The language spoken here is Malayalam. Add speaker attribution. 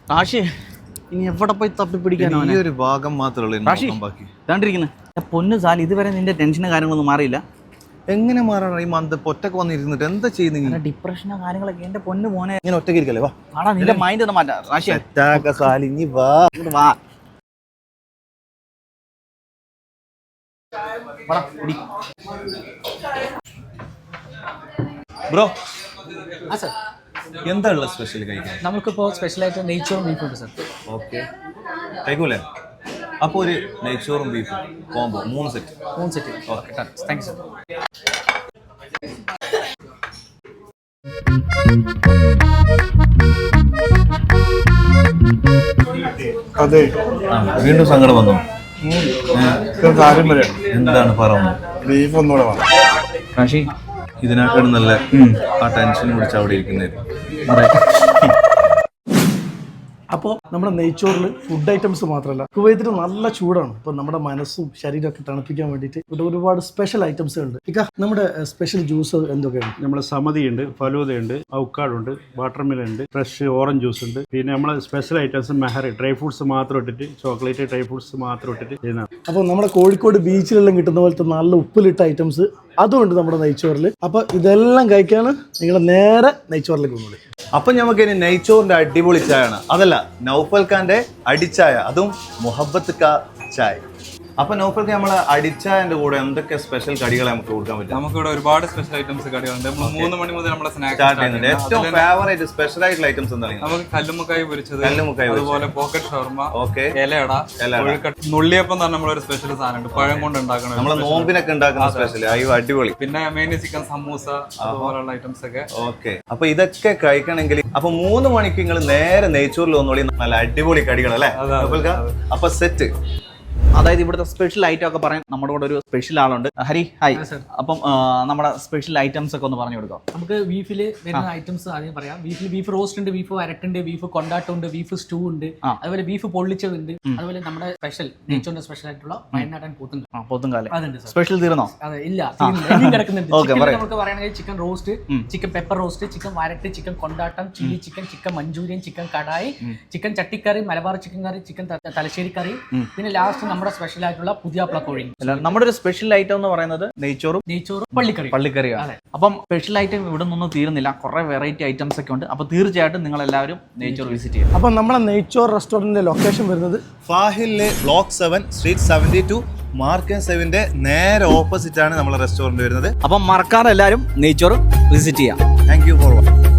Speaker 1: റാഷി ഇനി എവിടെ പോയി തപ്പി പിടിക്കാനോ?
Speaker 2: ഈ ഒരു ഭാഗം മാത്രമേ
Speaker 1: റാഷി ഇതാണ്ടിരിക്കുന്നത് പൊന്നു സാൽ, ഇതുവരെ നിന്റെ ടെൻഷനും കാര്യങ്ങളൊന്നും മാറിയില്ല.
Speaker 2: എങ്ങനെ മാറാണ് ഈ മന്ത് ഒറ്റക്ക് വന്നിരുന്നിട്ട് എന്താ ചെയ്യുന്നത്?
Speaker 1: ഡിപ്രഷനോ കാര്യങ്ങളൊക്കെ എന്റെ പൊന്നു മോനെ.
Speaker 2: ഇങ്ങനെ ഒറ്റയ്ക്ക് ഇരിക്കല്ലേ? വാ
Speaker 1: ആടാ, നിന്റെ മൈൻഡ് ഒന്ന് മാറ്റാ റാഷി.
Speaker 2: സാലിനി വാ
Speaker 1: വാ
Speaker 2: ബ്രോ.
Speaker 3: ആ സാർ,
Speaker 2: എന്താ ഉള്ള സ്പെഷ്യൽ കഴിക്കാൻ?
Speaker 3: നമുക്കിപ്പോൾ സ്പെഷ്യലായിട്ട് നെയ്ച്ചോറും ബീഫും ഉണ്ട് സാർ.
Speaker 2: ഓക്കെ, കഴിക്കൂലേ? അപ്പോൾ ഒരു നെയ്ച്ചോറും ബീഫും combo 3 set.
Speaker 3: Okay, thank you sir.
Speaker 4: അതെ,
Speaker 2: വീണ്ടും സങ്കടം വന്നു.
Speaker 4: കാര്യം പറയാം.
Speaker 2: എന്താണ് പറയുന്നത്?
Speaker 4: ബീഫ് ഒന്നുകൂടെ വേണം.
Speaker 1: റാഷി,
Speaker 2: ഇതിനേക്കാളും നല്ല ആ ടെൻഷൻ പിടിച്ച് അവിടെ ഇരിക്കുന്നത്.
Speaker 4: അപ്പോൾ നമ്മുടെ നെയ്ച്ചോറിൽ ഫുഡ് ഐറ്റംസ് മാത്രമല്ല, കുവൈത്തിൽ നല്ല ചൂടാണ്. അപ്പോൾ നമ്മുടെ മനസ്സും ശരീരമൊക്കെ തണുപ്പിക്കാൻ വേണ്ടിയിട്ട് ഇവിടെ ഒരുപാട് സ്പെഷ്യൽ ഐറ്റംസ് ഉണ്ട്. നമ്മുടെ സ്പെഷ്യൽ ജ്യൂസ് എന്തൊക്കെയാണ്?
Speaker 5: നമ്മുടെ സമതിയുണ്ട്, ഫലൂദയുണ്ട്, ഔക്കാഡുണ്ട്, വാട്ടർമെലൻ ഉണ്ട്, ഫ്രഷ് ഓറഞ്ച് ജ്യൂസ് ഉണ്ട്. പിന്നെ നമ്മളെ സ്പെഷ്യൽ ഐറ്റംസ് മെഹറി ഡ്രൈ ഫ്രൂട്ട്സ് മാത്രം ഇട്ടിട്ട്, ചോക്ലേറ്റ് ഡ്രൈ ഫ്രൂട്ട്സ് മാത്രം ഇട്ടിട്ട് ചെയ്യുന്നതാണ്.
Speaker 4: അപ്പോൾ നമ്മുടെ കോഴിക്കോട് ബീച്ചിലെല്ലാം കിട്ടുന്ന പോലത്തെ നല്ല ഉപ്പിലിട്ട ഐറ്റംസ് അതുമുണ്ട് നമ്മുടെ നെയ്ച്ചോറിൽ. അപ്പോൾ ഇതെല്ലാം കഴിക്കാണ് നിങ്ങൾ നേരെ നെയ്ച്ചോറിലേക്ക് കൊണ്ടുപോയി.
Speaker 2: അപ്പൊ നമുക്ക് ഇനി നെയ്ച്ചോറിന്റെ അടിപൊളി ചായയാണ്. അതല്ല, നൗഫൽ ഖാന്റെ അടിച്ചായ, അതും മുഹബത്ത് കാ ചായ. അപ്പൊ നൗഫൽ ഖാൻ നമ്മളെ അടിച്ചായന്റെ കൂടെ എന്തൊക്കെ സ്പെഷ്യൽ കടികൾ നമുക്ക് കൊടുക്കാൻ പറ്റും?
Speaker 6: നമുക്കിവിടെ ഒരുപാട് സ്പെഷ്യൽ ഐറ്റംസ് കടികളുണ്ട്. 3 മണി മുതൽ നമ്മളെ സ്നാക്സ്
Speaker 2: സ്റ്റാർട്ട് ചെയ്യുന്നുണ്ട്. ഏറ്റവും ഫേവറേറ്റ് സ്പെഷ്യൽ ആയിട്ടുള്ള ഐറ്റംസ് എന്താണ്?
Speaker 6: നമുക്ക് കല്ലുമുക്കായി പൊരിച്ചത്,
Speaker 2: കല്ലുമുക്കായി
Speaker 6: അതുപോലെ പോക്കറ്റ് ഷവർമ,
Speaker 2: ഓക്കെ,
Speaker 6: ഇലയട, നുള്ളിയപ്പം തന്നെ നമ്മളൊരു സ്പെഷ്യൽ സാധനമുണ്ട്, പഴം കൊണ്ട് ഉണ്ടാക്കണം.
Speaker 2: നമ്മളെ നോമ്പിനൊക്കെ ഉണ്ടാക്കുന്ന സ്പെഷ്യൽ. അയ്യോ അടിപൊളി.
Speaker 6: പിന്നെ മെയിൻ ചിക്കൻ സമൂസ, അതുപോലുള്ള ഐറ്റംസ് ഒക്കെ.
Speaker 2: ഓക്കെ, അപ്പൊ ഇതൊക്കെ കഴിക്കണമെങ്കിൽ അപ്പൊ 3 മണിക്ക് നിങ്ങൾ നേരെ നെയ്ച്ചോറിൽ വന്നോളി. നല്ല അടിപൊളി കടികൾ അല്ലേ നൗഫൽ ഖാൻ? അപ്പൊ സെറ്റ്.
Speaker 1: അതായത് ഇവിടുത്തെ സ്പെഷ്യൽ ഐറ്റം ഒക്കെ പറയാൻ നമ്മുടെ കൂടെ ഒരു സ്പെഷ്യൽ ആളുണ്ട്. ഹരി, ഹായ്. അപ്പം നമ്മുടെ സ്പെഷ്യൽ ഐറ്റംസ് ഒക്കെ ഒന്ന് പറഞ്ഞു കൊടുക്കാം.
Speaker 3: നമുക്ക് ബീഫിൽ വരുന്ന ഐറ്റംസ് ആദ്യം പറയാം. ബീഫിൽ ബീഫ് റോസ്റ്റ് ഉണ്ട്, ബീഫ് വരട്ടുണ്ട്, ബീഫ് കൊണ്ടാട്ടമുണ്ട്, ബീഫ് സ്റ്റൂ ഉണ്ട്, അതുപോലെ ബീഫ് പൊള്ളിച്ചതുണ്ട്, അതുപോലെ നമ്മുടെ സ്പെഷ്യൽ നെയ്ച്ചോറിന്റെ സ്പെഷ്യൽ ആയിട്ടുള്ള വയനാടൻ പോത്തുണ്ട്.
Speaker 1: പോത്തുംകാലം
Speaker 3: അതുണ്ട് സാർ.
Speaker 1: സ്പെഷ്യൽ തീർന്നോ?
Speaker 3: അതെ, ഇല്ല, ഇനിയും കിടക്കുന്നുണ്ട്. നമുക്ക് പറയുകയാണെങ്കിൽ chicken roast, chicken pepper roast, chicken വരട്ട്, ചിക്കൻ കൊണ്ടാട്ടം, chilli chicken, chicken Manchurian, chicken kadai, chicken ചട്ടിക്കറി, Malabar chicken curry, chicken Thalassery curry, പിന്നെ ലാസ്റ്റ് നമ്മുടെ സ്പെഷ്യൽ ആയിട്ടുള്ള പുതിയാപ്ല കോഴി.
Speaker 1: നമ്മുടെ ഒരു സ്പെഷ്യൽ ഐറ്റം എന്ന് പറയുന്നത് നെയ്ച്ചോറും പള്ളിക്കറിയാണ്. അപ്പം സ്പെഷ്യൽ ഐറ്റം ഇവിടെ നിന്നും തീരുന്നില്ല, കുറെ വെറൈറ്റി ഐറ്റംസ് ഒക്കെ ഉണ്ട്. അപ്പൊ തീർച്ചയായിട്ടും നിങ്ങൾ എല്ലാവരും നെയ്ച്ചോർ വിസിറ്റ് ചെയ്യും.
Speaker 4: അപ്പം നമ്മളെ നെയ്ച്ചോർ റെസ്റ്റോറന്റിന്റെ ലൊക്കേഷൻ വരുന്നത്
Speaker 2: ഫാഹിലിലെ ബ്ലോക്ക് 7 സ്ട്രീറ്റ് 72 മാർക്കൻ 7ന്റെ നേരെ ഓപ്പോസിറ്റ് ആണ് നമ്മളെ റെസ്റ്റോറന്റ് വരുന്നത്.
Speaker 1: അപ്പം മറക്കാതെ എല്ലാവരും നെയ്ച്ചോർ വിസിറ്റ് ചെയ്യാം.
Speaker 2: Thank you for watching.